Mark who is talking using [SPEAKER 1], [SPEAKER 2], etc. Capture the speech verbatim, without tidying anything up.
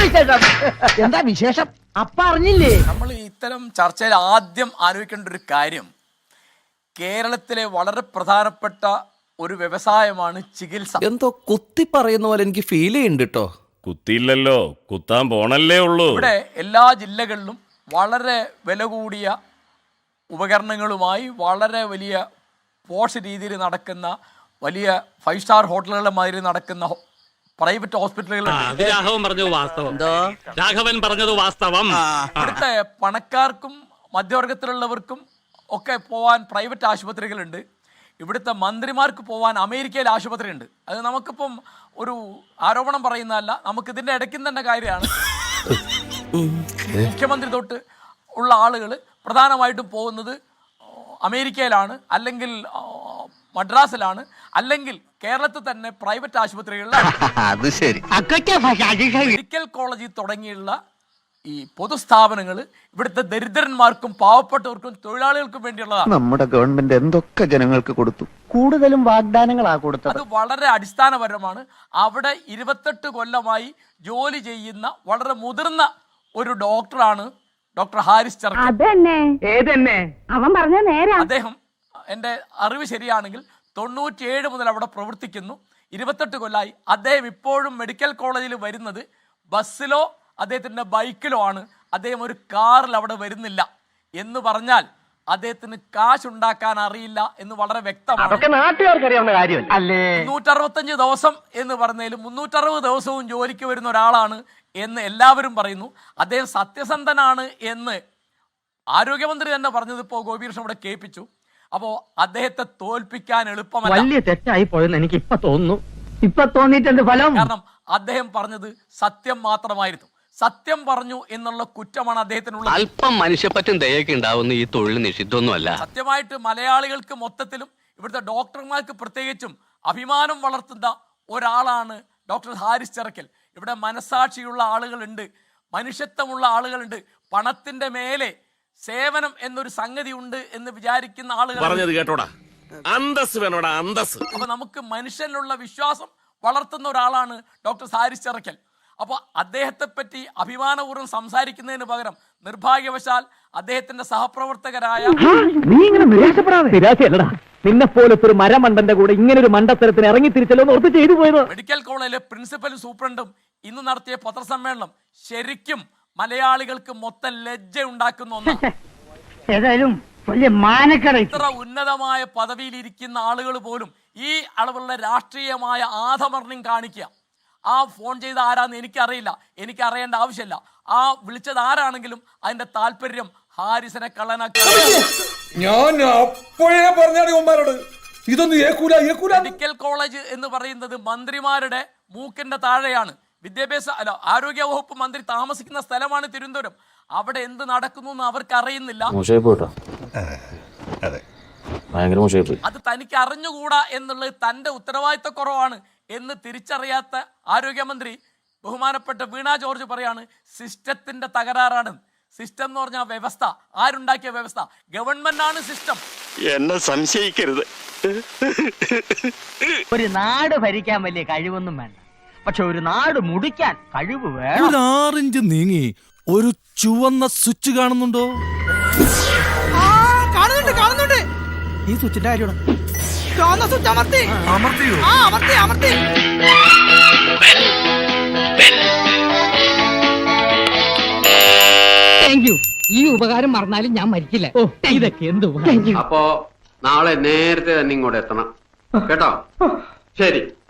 [SPEAKER 1] എന്താ വിശേഷം? അപ്പ അറിഞ്ഞില്ലേ?
[SPEAKER 2] നമ്മൾ ഇത്തരം ചർച്ചയിൽ ആദ്യം ആലോചിക്കേണ്ട ഒരു കാര്യം, കേരളത്തിലെ വളരെ പ്രധാനപ്പെട്ട ഒരു വ്യവസായമാണ് ചികിത്സ.
[SPEAKER 3] എന്തോ കുത്തി പറയുന്ന പോലെ എനിക്ക് ഫീൽ ചെയ്യുന്നുണ്ട് കേട്ടോ.
[SPEAKER 4] കുത്തിയില്ലല്ലോ, കുത്താൻ പോണല്ലേ ഉള്ളൂ.
[SPEAKER 2] ഇവിടെ എല്ലാ ജില്ലകളിലും വളരെ വില കൂടിയ ഉപകരണങ്ങളുമായി വളരെ വലിയ പോഷ് രീതിയിൽ നടക്കുന്ന വലിയ ഫൈവ് സ്റ്റാർ ഹോട്ടലുകളുടെ മാതിരി നടക്കുന്ന പ്രൈവറ്റ് ഹോസ്പിറ്റലുകളുണ്ട്. ഇവിടുത്തെ പണക്കാർക്കും മധ്യവർഗത്തിലുള്ളവർക്കും ഒക്കെ പോവാൻ പ്രൈവറ്റ് ആശുപത്രികളുണ്ട്. ഇവിടുത്തെ മന്ത്രിമാർക്ക് പോവാൻ അമേരിക്കയിൽ ആശുപത്രി ഉണ്ട്. അത് നമുക്കിപ്പം ഒരു ആരോപണം പറയുന്നതല്ല, നമുക്കിതിൻ്റെ ഇടയ്ക്കും തന്നെ കാര്യമാണ്. മുഖ്യമന്ത്രി തൊട്ട് ഉള്ള ആളുകൾ പ്രധാനമായിട്ടും പോകുന്നത് അമേരിക്കയിലാണ്, അല്ലെങ്കിൽ മദ്രാസിലാണ്, അല്ലെങ്കിൽ കേരളത്തിൽ തന്നെ പ്രൈവറ്റ് ആശുപത്രികളിലാണ്. മെഡിക്കൽ കോളേജിൽ തുടങ്ങിയുള്ള ഈ പൊതുസ്ഥാപനങ്ങൾ ഇവിടുത്തെ ദരിദ്രന്മാർക്കും പാവപ്പെട്ടവർക്കും തൊഴിലാളികൾക്കും വേണ്ടിയുള്ളതാണ്.
[SPEAKER 5] നമ്മുടെ ഗവൺമെന്റ് എന്തൊക്കെ ജനങ്ങൾക്ക് കൊടുത്തു,
[SPEAKER 1] കൂടുതലും വാഗ്ദാനങ്ങളാ കൊടുത്തത്.
[SPEAKER 2] അത് വളരെ അടിസ്ഥാനപരമാണ്. അവിടെ ഇരുപത്തെട്ട് കൊല്ലമായി ജോലി ചെയ്യുന്ന വളരെ മുതിർന്ന ഒരു ഡോക്ടറാണ് ഡോക്ടർ ഹാരിസ് ചെറക്കൽ.
[SPEAKER 6] അവൻ പറഞ്ഞ നേരെ.
[SPEAKER 2] അദ്ദേഹം, എൻ്റെ അറിവ് ശരിയാണെങ്കിൽ തൊണ്ണൂറ്റിയേഴ് മുതൽ അവിടെ പ്രവർത്തിക്കുന്നു. ഇരുപത്തെട്ട് കൊല്ലമായി. അദ്ദേഹം ഇപ്പോഴും മെഡിക്കൽ കോളേജിൽ വരുന്നത് ബസ്സിലോ അദ്ദേഹത്തിൻ്റെ ബൈക്കിലോ ആണ്. അദ്ദേഹം ഒരു കാറിൽ അവിടെ വരുന്നില്ല എന്ന് പറഞ്ഞാൽ അദ്ദേഹത്തിന് കാശ് ഉണ്ടാക്കാൻ അറിയില്ല എന്ന് വളരെ വ്യക്തമാണ്. മുന്നൂറ്ററുപത്തഞ്ച് ദിവസം എന്ന് പറഞ്ഞാലും മുന്നൂറ്ററുപത് ദിവസവും ജോലിക്ക് വരുന്ന ഒരാളാണ് എന്ന് എല്ലാവരും പറയുന്നു. അദ്ദേഹം സത്യസന്ധനാണ് എന്ന് ആരോഗ്യമന്ത്രി തന്നെ പറഞ്ഞത് ഇപ്പോൾ ഗോപികൃഷ്ണൻ ഇവിടെ കേൾപ്പിച്ചു. അപ്പോ അദ്ദേഹത്തെ തോൽപ്പിക്കാൻ എളുപ്പമല്ല.
[SPEAKER 1] വലിയ തെറ്റായി പോയെന്ന് എനിക്ക് ഇപ്പൊ തോന്നുന്നു. ഇപ്പൊ തോന്നിയിട്ടുണ്ട് ഫലം.
[SPEAKER 2] കാരണം അദ്ദേഹം പറഞ്ഞത് സത്യം മാത്രമായിരുന്നു. സത്യം പറഞ്ഞു എന്നുള്ള കുറ്റമാണ് അദ്ദേഹത്തിനുള്ള.
[SPEAKER 7] അല്പം മനുഷ്യപ്പറ്റും ദയൊക്കെ ഉണ്ടാവുന്ന ഈ തൊഴിൽ നിഷിദ്ധമൊന്നുമല്ല.
[SPEAKER 2] സത്യമായിട്ട് മലയാളികൾക്ക് മൊത്തത്തിലും ഇവിടുത്തെ ഡോക്ടർമാർക്ക് പ്രത്യേകിച്ചും അഭിമാനം വളർത്തുന്ന ഒരാളാണ് ഡോക്ടർ ഹാരിസ് ചെറക്കൽ. ഇവിടെ മനസാക്ഷിയുള്ള ആളുകളുണ്ട്, മനുഷ്യത്വമുള്ള ആളുകളുണ്ട്. പണത്തിന്റെ മേലെ സേവനം എന്നൊരു സംഗതി ഉണ്ട് എന്ന് വിചാരിക്കുന്ന ആളുകൾ
[SPEAKER 4] പറഞ്ഞത് കേട്ടോടാ. അന്തസ് വേണോടാ, അന്തസ്.
[SPEAKER 2] അപ്പൊ നമുക്ക് മനുഷ്യനിലുള്ള വിശ്വാസം വളർത്തുന്ന ഒരാളാണ് ഡോക്ടർ ഹാരിസ് ചെറക്കൽ. അപ്പോൾ അദ്ദേഹത്തെ പറ്റി അഭിമാനപൂർവ്വം സംസാരിക്കുന്നതിന് പകരം നിർഭാഗ്യവശാൽ അദ്ദേഹത്തിന്റെ സഹപ്രവർത്തകരായ
[SPEAKER 1] നീ ഇങ്ങനെ നിരാശപ്പെടാതെ. നിരാശയല്ലടാ, നിന്നെ പോലത്തെ ഒരു മരമണ്ടന്റെ കൂടെ ഇങ്ങനെ ഒരു മണ്ടത്തരത്തിന് ഇറങ്ങി തിരിച്ചല്ലോ ഓർത്ത് ചെയ്തു പോയത്.
[SPEAKER 2] മെഡിക്കൽ കോളേജിലെ പ്രിൻസിപ്പലും സൂപ്രണ്ടും ഇന്ന് നടത്തിയ പത്രസമ്മേളനം ശരിക്കും മലയാളികൾക്ക് മൊത്തം ലജ്ജ ഉണ്ടാക്കുന്ന ഒന്നാണ്.
[SPEAKER 1] ഏതായാലും വലിയ മാനക്കട.
[SPEAKER 2] ഇത്ര ഉന്നതമായ പദവിയിൽ ഇരിക്കുന്ന ആളുകൾ പോലും ഈ അളവുള്ള രാഷ്ട്രീയമായ ആധമർണ്ണം കാണിക്കുക. ആ ഫോൺ ചെയ്ത ആരാന്ന് എനിക്കറിയില്ല, എനിക്ക് അറിയേണ്ട ആവശ്യമില്ല. ആ വിളിച്ചത് ആരാണെങ്കിലും അതിന്റെ താല്പര്യം ഹാരിസിനെ കള്ളനാക്കി.
[SPEAKER 8] ഞാൻ അപ്പോഴേ പറഞ്ഞോട് ഇതൊന്നും ഏക്കൂല ഏക്കൂല.
[SPEAKER 2] മെഡിക്കൽ കോളേജ് എന്ന് പറയുന്നത് മന്ത്രിമാരുടെ മൂക്കിന്റെ താഴെയാണ്. വിദ്യാഭ്യാസ അല്ല ആരോഗ്യ വകുപ്പ് മന്ത്രി താമസിക്കുന്ന സ്ഥലമാണ് തിരുവനന്തപുരം. അവിടെ എന്ത് നടക്കുന്നു എന്ന് അവർക്ക് അറിയുന്നില്ല. അത് തനിക്ക് അറിഞ്ഞുകൂടാ എന്നുള്ളത് തന്റെ ഉത്തരവാദിത്ത കുറവാണ് എന്ന് തിരിച്ചറിയാത്ത ആരോഗ്യമന്ത്രി ബഹുമാനപ്പെട്ട വീണ ജോർജ് പറയാണ് സിസ്റ്റത്തിന്റെ തകരാറാണ്. സിസ്റ്റം എന്ന് പറഞ്ഞാൽ വ്യവസ്ഥ. ആരുണ്ടാക്കിയ വ്യവസ്ഥ? ഗവൺമെന്റ് ആണ് സിസ്റ്റം.
[SPEAKER 7] എന്നെ സംശയിക്കരുത്.
[SPEAKER 1] ഒരു നാട് ഭരിക്കാൻ വലിയ കഴിവൊന്നും വേണ്ട, പക്ഷെ ഒരു നാട് മുടിക്കാൻ കഴിവ് വേണം.
[SPEAKER 3] ഒരു ആറിഞ്ച് നീങ്ങി ഒരു ചുവന്ന സ്വിച്ച് കാണുന്നുണ്ടോ?
[SPEAKER 1] കാണുന്നുണ്ട് കാണുന്നുണ്ട്. ഈ സ്വിച്ചിന്റെ കാര്യമാണ്. ചുവന്ന സ്വിച്ച് അമർത്തി അമർത്തിയോ? ആ അമർത്തി അമർത്തി. Thank you. ഈ ഉപകാരം മറന്നാലും ഞാൻ മരിക്കില്ല. ഓ ഇതൊക്കെ എന്ത് ഉപകാരം.
[SPEAKER 7] അപ്പോ നാളെ നേരത്തെ തന്നെ ഇങ്ങോട്ട് എത്തണം കേട്ടോ. ശരി.